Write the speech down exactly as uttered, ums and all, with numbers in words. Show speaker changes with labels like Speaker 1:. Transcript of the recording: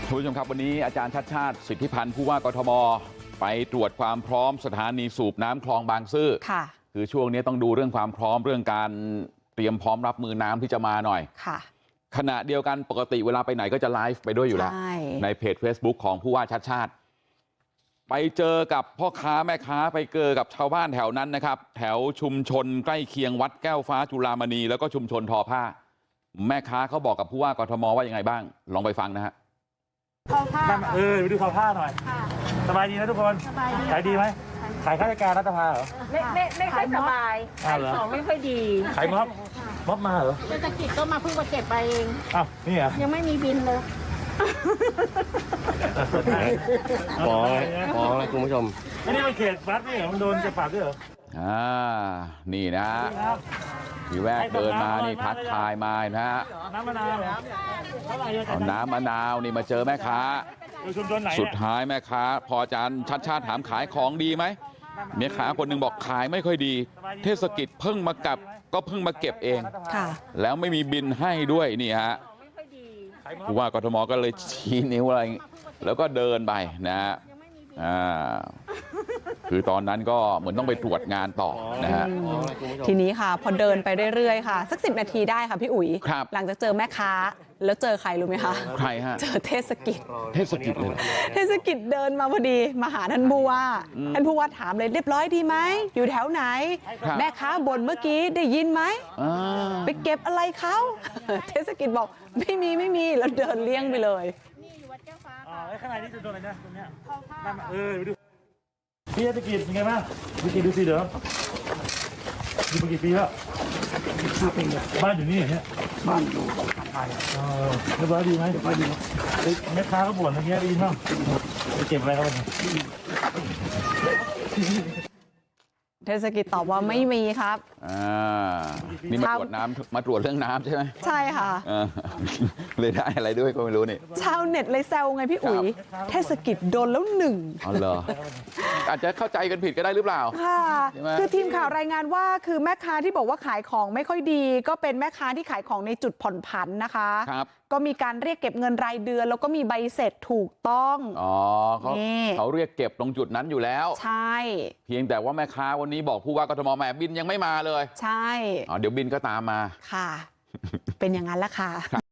Speaker 1: คุณผู้ชมครับวันนี้อาจารย์ชัดชาติสิทธิพันธ์ผู้ว่ากทมไปตรวจความพร้อมสถานีสูบน้ำคลองบางซื่อค่ะคือช่วงนี้ต้องดูเรื่องความพร้อมเรื่องการเตรียมพร้อมรับมือน้ำที่จะมาหน่อยค่ะขณะเดียวกันปกติเวลาไปไหนก็จะไลฟ์ไปด้วยอยู่แล้วในเพจ Facebook ของผู้ว่าชัดชาติไปเจอกับพ่อค้าแม่ค้าไปเจอกับชาวบ้านแถวนั้นนะครับแถวชุมชนใกล้เคียงวัดแก้วฟ้าจุฬามณีแล้วก็ชุมชนทอผ้าแม่ค้าเขาบอกกับผู้ว่ากทมว่ายังไงบ้างลองไปฟังนะฮะ
Speaker 2: ทอผ้า
Speaker 3: เออไปดูทอผ้าหน่อยสบายดีนะทุกคนขายดีไหมขายข้าราชการรัฐสภาเหรอ
Speaker 2: ไม่ไม่ไม่ค่อยสบายขายของไม่ค่อยดี
Speaker 3: ขายม็อบม็อบมาเหรอ
Speaker 2: เศรษฐกิจก็มาเพิ่งมาเก็บไปเอง
Speaker 3: อ้าวนี่เหรอ
Speaker 2: ยังไม่มีบินเลย
Speaker 4: ขอขอคุณผู้ชม
Speaker 3: นี่มันเขตวัดนี่เหรอมันโดนจะปรับด้วยเหรอ
Speaker 1: อ่านี่นะทีแรกเดินมานี่ทักทายมานะฮะ
Speaker 3: น้ำมะนาว
Speaker 1: เอาน้ำมะนาวนี่มาเจอแม่ค้าสุดท้ายแม่ค้าพออาจารย์ชัดชาติถามขายของดีไหมแม่ค้าคนหนึ่งบอกขายไม่ค่อยดีเทศกิจเพิ่งมากับก็เพิ่งมาเก็บเองแล้วไม่มีบินให้ด้วยนี่ฮะผู้ว่ากทมก็เลยชี้นิ้วอะไรแล้วก็เดินไปนะฮะอ่าคือตอนนั้นก็เหมือนต้องไปตรวจงานต่อนะฮะ
Speaker 5: ทีนี้ค่ะพอเดินไปเรื่อยๆค่ะสักสิบนาทีได้ค่ะพี่อุ๋ยหลังจากเจอแม่ค้าแล้วเจอใครรู้ไหมคะ
Speaker 1: ใครฮะ
Speaker 5: เจอเทศกิจ
Speaker 1: เทศกิจเลย
Speaker 5: เทศกิจเดินมาพอดีมาหาท่านผู้ว่าท่านผู้ว่าถามเลยเรียบร้อยดีไหมอยู่แถวไหนแม่ค้าบ่นเมื่อกี้ได้ยินไหมไปเก็บอะไรเขาเทศกิจบอกไม่มีไม่มีแล้วเดินเลี่ยงไปเลย
Speaker 2: นี่อยู่วัดแก้วฟ้า
Speaker 3: ค่ะอ๋อข้างในนี่จะโดนอะไรนะตรงเนี้ยเออไปดูพี่เทศกิจยังไงบ้างดูสิดูสิเดี๋ยวอยู่มากี่ปีแล้วบ้านอยู่นี่เนี่ยบ้านอยู่เออเรียบร้อยดีไหมเรียบร้อยดีแม่ค้าก็บ่นอย่างเงี้ยดีมั้งไปเก็บอะไรเขาบ้าง
Speaker 5: เทศกิจตอบว่าไม่มีครับ
Speaker 1: อ่านี่มาตรวจน้ำมาตรวจเรื่องน้ำใช่ไหม
Speaker 5: ใช่ค่ะ
Speaker 1: เลยได้อะไรด้วยก็ไม่รู้นี่
Speaker 5: ชาวเน็ตเลยแซวไงพี่อุ๋ยเทศกิจโดนแล้วหนึ่ง
Speaker 1: อ๋อเหรออาจจะเข้าใจกันผิดก็ได้หรือเปล่า
Speaker 5: ค่ะคือทีมข่าวรายงานว่าคือแม่ค้าที่บอกว่าขายของไม่ค่อยดีก็เป็นแม่ค้าที่ขายของในจุดผ่อนผันนะคะ
Speaker 1: ครับ
Speaker 5: ก็มีการเรียกเก็บเงินรายเดือนแล้วก็มีใบเสร็จถูกต้อง
Speaker 1: อ๋อเขาเขาเรียกเก็บตรงจุดนั้นอยู่แล้ว
Speaker 5: ใช่
Speaker 1: เพียงแต่ว่าแม่ค้าวันนี้บอกผู้ว่ากทมแหมบินยังไม่มาเลย
Speaker 5: ใช่
Speaker 1: อ๋อเดี๋ยวบินก็ตามมา
Speaker 5: ค่ะเป็นอย่างนั้นแหละค่ะ